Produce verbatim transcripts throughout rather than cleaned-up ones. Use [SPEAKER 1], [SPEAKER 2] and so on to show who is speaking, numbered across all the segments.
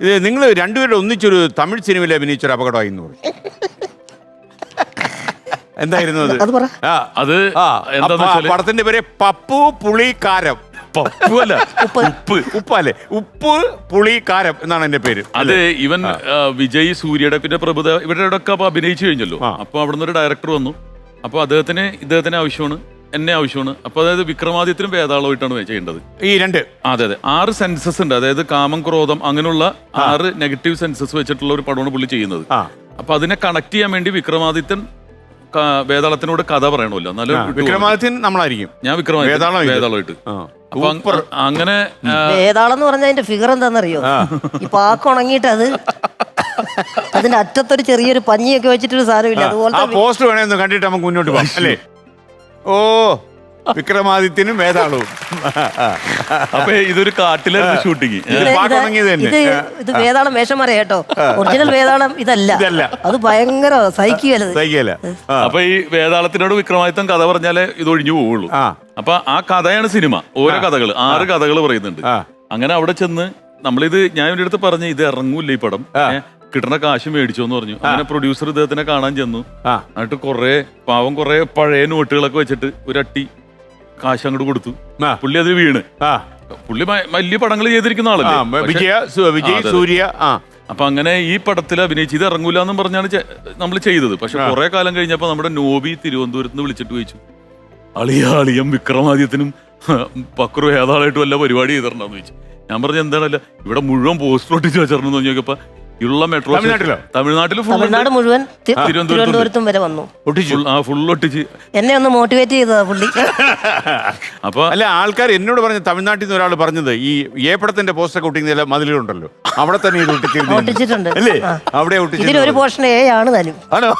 [SPEAKER 1] ഇത് നിങ്ങൾ രണ്ടുപേരുടെ ഒന്നിച്ചൊരു തമിഴ് സിനിമയിൽ അഭിനയിച്ചൊരു അപകടമായി എന്ന് പറയും. എന്തായിരുന്നു അത്?
[SPEAKER 2] അത് പറ.
[SPEAKER 1] ആ
[SPEAKER 3] അത്
[SPEAKER 1] ആ
[SPEAKER 3] എന്താന്ന് വെച്ചാല്
[SPEAKER 1] പടത്തിന്റെ പേര് പപ്പു പുളിക്കാരം.
[SPEAKER 3] പപ്പു അല്ല,
[SPEAKER 1] ഉപ്പ് ഉപ്പ് അല്ലേ? ഉപ്പ് പുളിക്കാരം എന്നാണ് എന്റെ പേര്.
[SPEAKER 3] അത് ഇവൻ വിജയ്, സൂര്യയുടെ പിന്നെ പ്രഭുത ഇവരുടെ ഒക്കെ അപ്പൊ അഭിനയിച്ചു കഴിഞ്ഞല്ലോ. അപ്പൊ അവിടെ നിന്ന് ഒരു ഡയറക്ടർ വന്നു. അപ്പൊ അദ്ദേഹത്തിന് ഇദ്ദേഹത്തിന് ആവശ്യമാണ്, എന്നെ ആവശ്യമാണ്. അപ്പൊ അതായത് വിക്രമാദിത്യനും വേതാളമായിട്ടാണ് ചെയ്യേണ്ടത്
[SPEAKER 1] ഈ രണ്ട്.
[SPEAKER 3] അതെ അതെ ആറ് സെൻസസ് ഉണ്ട്. അതായത് കാമം, ക്രോധം, അങ്ങനെയുള്ള ആറ് നെഗറ്റീവ് സെൻസസ് വെച്ചിട്ടുള്ള ഒരു പടമാണ് പുള്ളി ചെയ്യുന്നത്. അപ്പൊ അതിനെ കണക്ട് ചെയ്യാൻ വേണ്ടി വിക്രമാദിത്യൻ വേതാളത്തിനോട് കഥ പറയണമല്ലോ. എന്നാലും
[SPEAKER 1] വിക്രമാദിത്യൻ നമ്മളായിരിക്കും,
[SPEAKER 3] ഞാൻ വിക്രമാദിത്യം വേതാളമായിട്ട്. അപ്പൊ അങ്ങനെ
[SPEAKER 2] വേതാളം എന്ന് പറഞ്ഞാൽ അതിന്റെ ഫിഗർ എന്താണെന്നറിയോ? ഈ പാക്ക് ഉണങ്ങിയിട്ട് അത് അതിന്റെ അറ്റത്തൊരു ചെറിയൊരു പഞ്ഞിയൊക്കെ വെച്ചിട്ടൊരു സാധനമില്ല, അതുപോലെ
[SPEAKER 1] പോസ്റ്റ് വേണമെന്ന് കണ്ടിട്ട് നമുക്ക് മുന്നോട്ട് പോകാം അല്ലേ? ഓ, വിക്രമാദിത്യനും വേതാളവും.
[SPEAKER 3] അപ്പൊ ഇതൊരു കാട്ടിലായിരുന്നു ഷൂട്ടിങ്.
[SPEAKER 2] ഇത് വേതാളം വേഷം പറയാ കേട്ടോ, ഒറിജിനൽ വേതാളം ഇതല്ല, അത് ഭയങ്കര സഹിക്കുകയല്ല.
[SPEAKER 3] അപ്പൊ ഈ വേതാളത്തിനോട് വിക്രമാദിത്യം കഥ പറഞ്ഞാലേ ഇത് ഒഴിഞ്ഞു പോവുള്ളൂ. അപ്പൊ ആ കഥയാണ് സിനിമ. ഓരോ കഥകൾ, ആറ് കഥകൾ പറയുന്നുണ്ട്. അങ്ങനെ അവിടെ ചെന്ന് നമ്മളിത് ഞാൻ ഇവരുടെ അടുത്ത് പറഞ്ഞു ഇത് ഇറങ്ങൂല്ല ഈ പടം, കിട്ടണ കാശ് മേടിച്ചോന്ന് പറഞ്ഞു. അങ്ങനെ പ്രൊഡ്യൂസർ ഇദ്ദേഹത്തിനെ കാണാൻ ചെന്നു. എന്നിട്ട് കുറെ പാവം കുറെ പഴയ നോട്ടുകളൊക്കെ വെച്ചിട്ട് ഒരു അട്ടി കാശ് അങ്ങോട്ട് കൊടുത്തു. പുള്ളി അത് വീണ്. പുള്ളി വലിയ പടങ്ങൾ ചെയ്തിരിക്കുന്ന ആളല്ലേ,
[SPEAKER 1] വിജയ്, സൂര്യ.
[SPEAKER 3] അപ്പൊ അങ്ങനെ ഈ പടത്തിൽ അഭിനയിച്ച് ഇത് ഇറങ്ങൂല എന്നും പറഞ്ഞാണ് നമ്മൾ ചെയ്തത്. പക്ഷെ കുറെ കാലം കഴിഞ്ഞപ്പോ നമ്മുടെ നോബി തിരുവനന്തപുരത്ത് നിന്ന് വിളിച്ചിട്ട് ചോദിച്ചു, അളിയ അളിയം വിക്രമാദിത്യനും പക്രു ഏതാളായിട്ടും വല്ല പരിപാടി ചെയ്തിട്ടുണ്ടെന്ന് ചോദിച്ചു. ഞാൻ പറഞ്ഞു എന്താണല്ല ഇവിടെ മുഴുവൻ പോസ്റ്റർ ഒട്ടിച്ച് വെച്ചിട്ടുണ്ടെന്ന് നോക്കിയപ്പോ ഉള്ള മെട്രോ തമിഴ്നാട്ടിൽ
[SPEAKER 2] തമിഴ്നാട് മുഴുവൻ തിരുവനന്തപുരത്തും വരെ വന്നു.
[SPEAKER 3] ഫുൾ ഒട്ടിച്ച്
[SPEAKER 2] എന്നെ ഒന്ന് മോട്ടിവേറ്റ് ചെയ്തതാ പുള്ളി.
[SPEAKER 1] അപ്പൊ അല്ല, ആൾക്കാർ എന്നോട് പറഞ്ഞു, തമിഴ്നാട്ടിൽ നിന്ന് ഒരാൾ പറഞ്ഞത് ഈ ഏ പടത്തിന്റെ പോസ്റ്റർ ഒട്ടിക്കുന്ന മതിലുണ്ടല്ലോ അവിടെ തന്നെ ഇത്
[SPEAKER 2] ഒട്ടിച്ചിട്ടുണ്ട്
[SPEAKER 1] അല്ലേ? അവിടെ
[SPEAKER 2] ഇതിലൊരു പോർഷൻ ഏ ആണ് താനും.
[SPEAKER 1] ആണോ?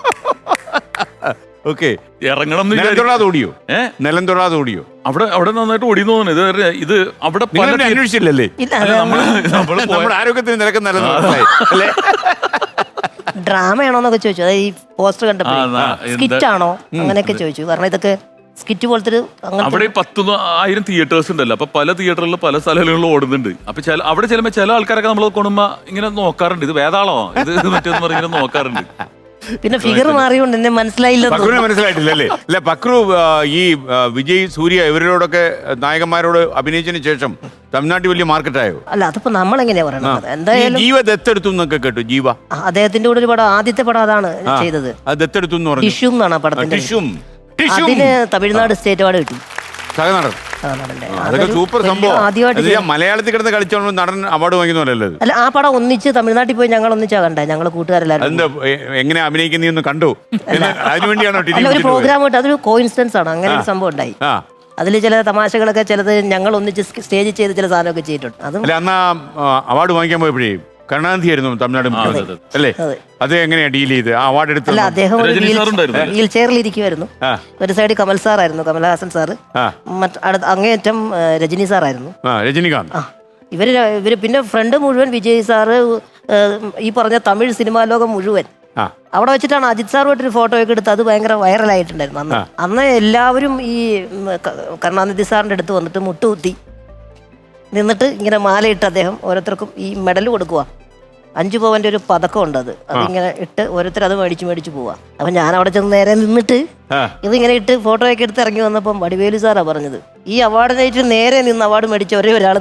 [SPEAKER 1] ഓക്കെ.
[SPEAKER 3] ഇറങ്ങണം
[SPEAKER 1] ഓടിയോ? ഏഹ് നിലം തൊടാതെ ഓടിയോ?
[SPEAKER 3] അവിടെ അവിടെ നന്നായിട്ട് ഓടി തോന്നുന്നു. ഇത് ഇത് അവിടെ
[SPEAKER 1] അന്വേഷിച്ചില്ലല്ലേ? നമ്മുടെ ആരോഗ്യത്തിന് നിരക്ക് നല്ലതല്ലേ?
[SPEAKER 2] ഡ്രാമയാണോന്നൊക്കെ ചോദിച്ചു. അതായത് ഈ പോസ്റ്റർ കണ്ടപ്പോ സ്കിറ്റ് ആണോ അങ്ങനെയൊക്കെ ചോദിച്ചു. കാരണം ഇതൊക്കെ സ്കിറ്റ് പോലത്തെ
[SPEAKER 3] അവിടെ പത്ത് ആയിരം തിയേറ്റേഴ്സ് ഉണ്ടല്ലോ. അപ്പൊ പല തിയേറ്ററിലും പല സ്ഥലങ്ങളിലും ഓടുന്നുണ്ട്. അപ്പൊ ചില അവിടെ ചെല്ലുമ്പോ ചില ആൾക്കാരൊക്കെ നമ്മൾ കൊണ്ടുമ്പോ ഇങ്ങനെ നോക്കാറുണ്ട്, ഇത് വേതാളോ ഇത് മറ്റേന്ന് പറഞ്ഞ് ഇങ്ങനെ നോക്കാറുണ്ട്.
[SPEAKER 2] പിന്നെ ഫിഗർ മാറിയോണ്ട് എന്നെ മനസ്സിലായില്ല.
[SPEAKER 1] പക്രുവിനെ മനസ്സിലായിട്ടില്ലല്ലേ? അല്ല, പക്രു ഈ വിജയ്, സൂര്യ ഇവരോടൊക്കെ നായകന്മാരോട് അഭിനയിച്ചതിന് ശേഷം തമിഴ്നാട്ടിൽ വലിയ മാർക്കറ്റായോ?
[SPEAKER 2] അല്ല, അതിപ്പോ നമ്മൾ എങ്ങനെയാ പറയുന്നത്? എന്തായാലും
[SPEAKER 1] ജീവ ദത്തെടുത്തു എന്നൊക്കെ കേട്ടു. ജീവ
[SPEAKER 2] അദ്ദേഹത്തിന്റെ കൂടെ ഒരു പടം, ആദ്യത്തെ പടം അതാണ് ചെയ്തത്.
[SPEAKER 1] അത് ദത്തെടുത്തു എന്ന് പറഞ്ഞു.
[SPEAKER 2] ടിഷ്യൂ എന്നാണ് ആ പടത്തിന്റെ. അതിന് തമിഴ്നാട് സ്റ്റേറ്റ് അവാർഡ് കിട്ടി.
[SPEAKER 1] സഹനടൻ. അതൊക്കെ സൂപ്പർ സംഭവം. മലയാളത്തിൽ കിടന്ന് കളിച്ചോണ്ട് നടൻ അവാർഡ് വാങ്ങിക്കുന്നല്ലോ.
[SPEAKER 2] അല്ല, ആ പടം ഒന്നിച്ച് തമിഴ്നാട്ടിൽ പോയി ഞങ്ങൾ ഒന്നിച്ചാ കണ്ടേ, ഞങ്ങൾ കൂട്ടുകാരെല്ലാരും.
[SPEAKER 1] എന്താ എങ്ങനെ അഭിനയിക്കുന്ന കണ്ടു? അതിനുവേണ്ടിയാണോ?
[SPEAKER 2] ഒരു പ്രോഗ്രാം ആയിട്ട് അതൊരു കോയിൻസിഡൻസ് ആണ്. അങ്ങനെ ഒരു സംഭവം ഉണ്ടായി. അതിൽ ചില തമാശകളൊക്കെ, ചിലത് ഞങ്ങൾ ഒന്നിച്ച് സ്റ്റേജിൽ ചെയ്ത് ചില സാധനമൊക്കെ ചെയ്തിട്ടുണ്ട്. അതും
[SPEAKER 1] അന്ന് അവാർഡ് വാങ്ങിക്കാൻ പോയപ്പോഴേ കരുണാനിധി ആയിരുന്നു തമിഴ്നാട് മുഖ്യമന്ത്രി അല്ലേ? അത് എങ്ങനെയാ ഡീൽ ചെയ്ത് അവാർഡ് എടുത്തത്?
[SPEAKER 2] അല്ല, അദ്ദേഹം വീൽ ചെയറിൽ ഇരിക്കുമായിരുന്നു. ഒരു സൈഡ് കമൽ സാറായിരുന്നു, കമൽഹാസൻ സാറ്. മറ്റടുത്ത അങ്ങേയറ്റം രജനി സാറായിരുന്നു,
[SPEAKER 1] രജനികാന്ത്.
[SPEAKER 2] ഇവര് ഇവര് പിന്നെ ഫ്രണ്ട് മുഴുവൻ വിജയ് സാറ്, ഈ പറഞ്ഞ തമിഴ് സിനിമാ ലോകം മുഴുവൻ. അവിടെ വെച്ചിട്ടാണ് അജിത് സാറുമായിട്ടൊരു ഫോട്ടോ ഒക്കെ എടുത്ത് അത് ഭയങ്കര വൈറലായിട്ടുണ്ടായിരുന്നു അന്ന്. അന്ന് എല്ലാവരും ഈ കരുണാനിധി സാറിന്റെ അടുത്ത് വന്നിട്ട് മുട്ടുകുത്തി നിന്നിട്ട് ഇങ്ങനെ മാലയിട്ട് അദ്ദേഹം ഓരോരുത്തർക്കും ഈ മെഡൽ കൊടുക്കുക. അഞ്ചു പവന്റെ ഒരു പതക്കം ഉണ്ട്, അത് അതിങ്ങനെ ഇട്ട് ഓരോരുത്തർ അത് മേടിച്ച് മേടിച്ച് പോവാ. അപ്പൊ ഞാൻ അവിടെ ചെന്ന് നേരെ നിന്നിട്ട് ഇതിങ്ങനെ ഇട്ട് ഫോട്ടോ ഒക്കെ എടുത്ത് ഇറങ്ങി വന്നപ്പം വടിവേലു സാറാ പറഞ്ഞത്, ഈ അവാർഡിനായിട്ട് നേരെ നിന്ന് അവാർഡ് മേടിച്ച ഒരേ ഒരാൾ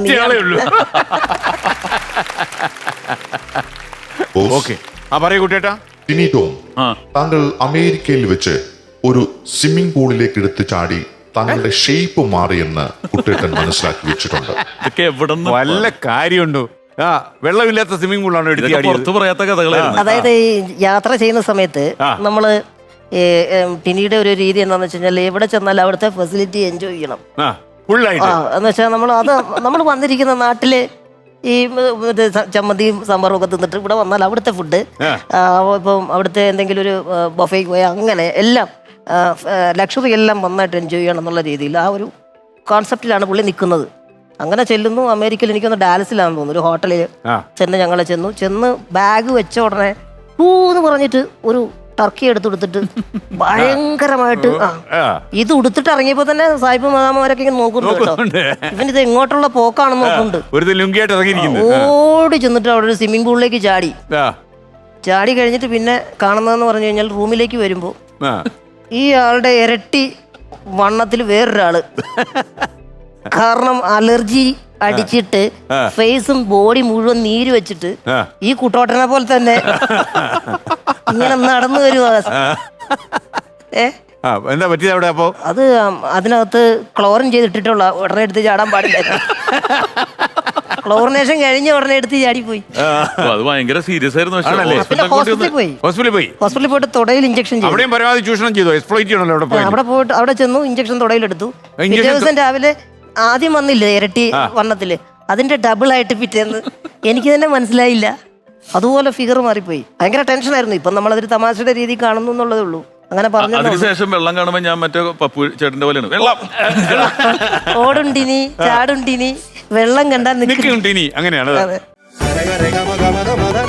[SPEAKER 4] താങ്കൾ അമേരിക്കയിൽ വെച്ച് ഒരു സ്വിമ്മിംഗ് പൂളിലേക്ക് എടുത്ത് ചാടി താങ്കളുടെ ഷേപ്പ് മാറിയെന്ന് കുട്ടേട്ടൻ മനസ്സിലാക്കി വെച്ചിട്ടുണ്ട്.
[SPEAKER 1] വല്ല കാര്യമുണ്ടോ? ആ വെള്ളമില്ലാത്ത സ്വിമ്മിംഗ് പൂളാണ് എടുത്ത് പറയാത്ത കഥകൾ.
[SPEAKER 2] അതായത് ഈ യാത്ര ചെയ്യുന്ന സമയത്ത് നമ്മള് പിന്നീട് ഒരു രീതി എന്താണെന്ന് വെച്ച് കഴിഞ്ഞാൽ എവിടെ ചെന്നാലും അവിടുത്തെ ഫെസിലിറ്റി എൻജോയ് ചെയ്യണം. എന്ന് വെച്ചാൽ നമ്മൾ അത് നമ്മൾ വന്നിരിക്കുന്ന നാട്ടില് ഈ ചമ്മന്തിയും സാമ്പാറും ഒക്കെ തിന്നിട്ട് ഇവിടെ വന്നാൽ അവിടുത്തെ ഫുഡ്, ഇപ്പം അവിടുത്തെ എന്തെങ്കിലും ഒരു ബൊഫേക്ക് പോയാൽ അങ്ങനെ എല്ലാം ലക്ഷറി എല്ലാം നന്നായിട്ട് എൻജോയ് ചെയ്യണം എന്നുള്ള രീതിയിൽ ആ ഒരു കോൺസെപ്റ്റിലാണ് പുള്ളി നിൽക്കുന്നത്. അങ്ങനെ ചെല്ലുന്നു. അമേരിക്കയിൽ എനിക്കൊന്ന് ഡാലസിലാണെന്ന് തോന്നുന്നു, ഒരു ഹോട്ടലിൽ ചെന്ന് ഞങ്ങൾ ചെന്നു. ചെന്ന് ബാഗ് വെച്ച ഉടനെ ഹൂ എന്ന് പറഞ്ഞിട്ട് ഒരു ടർക്കി എടുത്ത് കൊടുത്തിട്ട് ഭയങ്കരമായിട്ട് ആ
[SPEAKER 1] ആ.
[SPEAKER 2] ഇത് ഉടുത്തിട്ട് ഇറങ്ങിയപ്പോ തന്നെ സായിപ്പ് മദാമവരൊക്കെ ഇങ്ങനെ നോക്കുന്നുണ്ട് കേട്ടോ. ഇവൻ ഇത് എങ്ങോട്ടുള്ള പോക്കാണെന്ന് നോക്കുന്നുണ്ട്.
[SPEAKER 1] ഒരു ലുങ്കിയായിട്ട് ഇറങ്ങിയിരിക്കുന്നു.
[SPEAKER 2] ഓടി ചെന്നിട്ട് അവിടെ ഒരു സ്വിമ്മിംഗ് പൂളിലേക്ക് ചാടി
[SPEAKER 1] ആ.
[SPEAKER 2] ചാടി കഴിഞ്ഞിട്ട് പിന്നെ കാണുന്നതെന്ന് പറഞ്ഞു കഴിഞ്ഞാൽ റൂമിലേക്ക് വരുമ്പോ
[SPEAKER 1] ആ.
[SPEAKER 2] ഈ ആളുടെ ഇരട്ടി വണ്ണത്തിൽ വേറൊരാള്. കാരണം അലർജി അടിച്ചിട്ട് ഫേസും ബോഡി മുഴുവൻ നീര് വെച്ചിട്ട്
[SPEAKER 1] ആ.
[SPEAKER 2] ഈ കുട്ടോട്ടനെ പോലെ തന്നെ ഇങ്ങനെ നടന്നു വരുവാ. ഏ
[SPEAKER 1] ആ, എന്താ പറ്റിയത് അവിടെ അപ്പോ?
[SPEAKER 2] അത് അതിനകത്ത് ക്ലോറിൻ ചെയ്തിട്ടിട്ടുള്ള ഉടനെ എടുത്ത് ചാടാൻ പാടില്ല. ക്ലോറിനേഷൻ കഴിഞ്ഞ ഉടനെ എടുത്ത് ചാടിപ്പോയി.
[SPEAKER 3] അപ്പൊ അത് ഭയങ്കര സീരിയസ് ആയിരുന്നു. പക്ഷേ
[SPEAKER 1] ആണല്ലേ?
[SPEAKER 2] പിന്നെ
[SPEAKER 3] ഹോസ്പിറ്റലിൽ
[SPEAKER 2] ഹോസ്പിറ്റലിൽ പോയി
[SPEAKER 1] ഹോസ്പിറ്റലിൽ പോയി.
[SPEAKER 2] ഹോസ്പിറ്റലിൽ പോയിട്ട് തുടയിൽ ഇഞ്ചക്ഷൻ ചെയ്തു.
[SPEAKER 1] അവിടെയും പരമാവധി ചൂഷണം ചെയ്തു, എക്സ്പ്ലോയിറ്റ് ചെയ്യണല്ലോ അവിടെ പോയി.
[SPEAKER 2] അവിടെ പോയിട്ട് അവിടെ ചെന്നു ഇഞ്ചക്ഷൻ തുടയിലെടുത്തു. പിറ്റേ
[SPEAKER 1] injection
[SPEAKER 2] ദിവസം രാവിലെ ആദ്യം വന്നില്ലേ ഇരട്ടി വണ്ണത്തില്, അതിന്റെ ഡബിൾ ആയിട്ട് പിറ്റേന്ന് എനിക്ക് തന്നെ മനസ്സിലായില്ല. അതുപോലെ ഫിഗർ മാറിപ്പോയി. ഭയങ്കര ടെൻഷനായിരുന്നു. ഇപ്പം നമ്മളതൊരു തമാശയുടെ രീതി കാണുന്നു എന്നുള്ളതേ ഉള്ളൂ. അങ്ങനെ പറഞ്ഞു.
[SPEAKER 3] അതിനുശേഷം വെള്ളം കാണുമ്പോ ഞാൻ മറ്റേ പപ്പു ചേട്ടന്റെ പോലെയാണ് വെള്ളം
[SPEAKER 2] ഓടുണ്ടിനി ചാടുണ്ടിനി വെള്ളം കണ്ടാൽ നിൽക്കും.
[SPEAKER 1] നിൽക്കുന്നുണ്ട് ഇനി അങ്ങനെയാണ്.
[SPEAKER 2] അതെ.